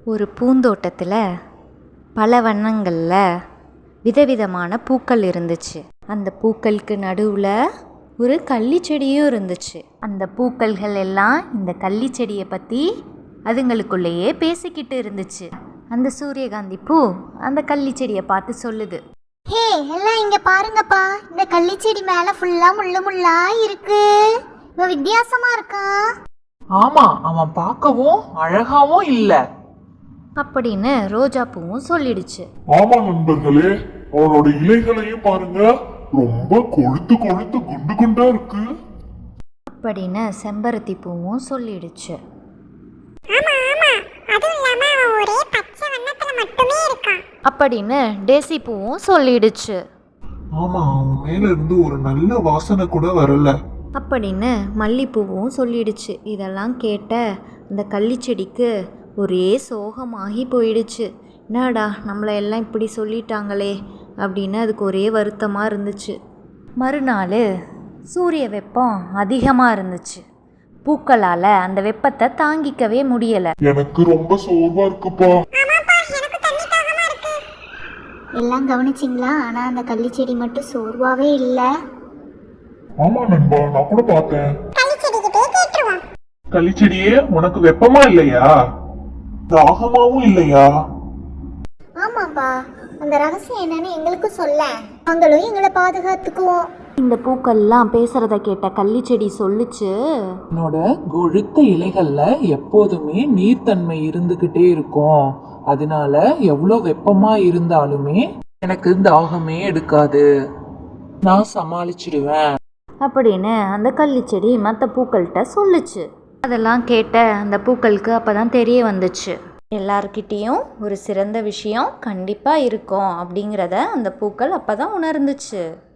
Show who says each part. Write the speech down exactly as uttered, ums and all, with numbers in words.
Speaker 1: ஒரு பூந்தோட்டத்தில் பல வண்ணங்களில் விதவிதமான பூக்கள் இருந்துச்சு. அந்த பூக்களுக்கு நடுவில் ஒரு கள்ளி செடியும் இருந்துச்சு. அந்த பூக்கள்கள் எல்லாம் இந்த கள்ளி செடியை பற்றி அதுங்களுக்குள்ளேயே பேசிக்கிட்டு இருந்துச்சு. அந்த சூரியகாந்தி பூ அந்த கள்ளி செடியை பார்த்து சொல்லுது,
Speaker 2: ஹே எல்லாம் இங்க பாருங்கப்பா, இந்த கள்ளி செடி மேல ஃபுல்லா முள்ளு முள்ளா இருக்கு. இவன் வித்தியாசமா இருக்கா.
Speaker 3: ஆமா, அவன் பார்க்கவும் அழகாவும் இல்ல
Speaker 1: அப்படின்னு ரோஜா பூவும் சொல்லிடுச்சு.
Speaker 4: ஆமா நண்பர்களே, அவனோட இலைகளையும் பாருங்க, ரொம்ப கொழுத்து கொழுத்து குண்டு குண்டா இருக்கு
Speaker 1: அப்படின்னு செம்பருத்தி பூவும் சொல்லிடுச்சு. அப்படின்னு டேசி பூவும் சொல்லிடுச்சு.
Speaker 4: ஆமா, அவன் மேல இருந்து ஒரு நல்ல வாசனை கூட வரல
Speaker 1: அப்படின்னு மல்லிப்பூவும் சொல்லிடுச்சு. இதெல்லாம் கேட்ட அந்த கள்ளிச்செடிக்கு ஒரே சோகமாகி போயிடுச்சு. என்னடா நம்மளை எல்லாம் இப்படி சொல்லிட்டாங்களே அப்படின்னு அதுக்கு ஒரே வருத்தமாக இருந்துச்சு. மறுநாள் சூரிய வெப்பம் அதிகமாக இருந்துச்சு. பூக்களால் அந்த வெப்பத்தை தாங்கிக்கவே முடியலை.
Speaker 4: எனக்கு ரொம்ப சோர்வா இருக்குப்பா.
Speaker 2: எல்லாம் கவனிச்சிங்களா? ஆனா அந்த கள்ளி செடி மட்டும் சோர்வாவே இல்லை.
Speaker 4: ஆமா நண்பா, நான் கூட பார்த்தேன்.
Speaker 3: களிச்செடியே, உனக்கு வெப்பமா இல்லையா?
Speaker 4: தாகமாவும் இல்லையா?
Speaker 2: ஆமாப்பா, அந்த ரகசியம் என்னன்னு எங்களுக்கு சொல்ல, நாங்களும் எங்களை பாதுகாத்துக்குவோம்.
Speaker 1: இந்த பூக்கள்லாம் பேசுறத கேட்ட கள்ளிச்செடி சொல்லுச்சு,
Speaker 3: என்னோட கொழுத்த இலைகள்ல எப்போதுமே நீர்த்தன்மை இருந்துகிட்டே இருக்கும். அதனால எவ்வளோ வெப்பமா இருந்தாலுமே எனக்கு தாகமே எடுக்காது, நான் சமாளிச்சிடுவேன்
Speaker 1: அப்படின்னு அந்த கள்ளிச்செடி மற்ற பூக்கள்கிட்ட சொல்லுச்சு. அதெல்லாம் கேட்ட அந்த பூக்களுக்கு அப்போ தான் தெரிய வந்துச்சு, எல்லார்கிட்டேயும் ஒரு சிறந்த விஷயம் கண்டிப்பாக இருக்கும் அப்படிங்கிறத அந்த பூக்கள் அப்போ தான் உணர்ந்துச்சு.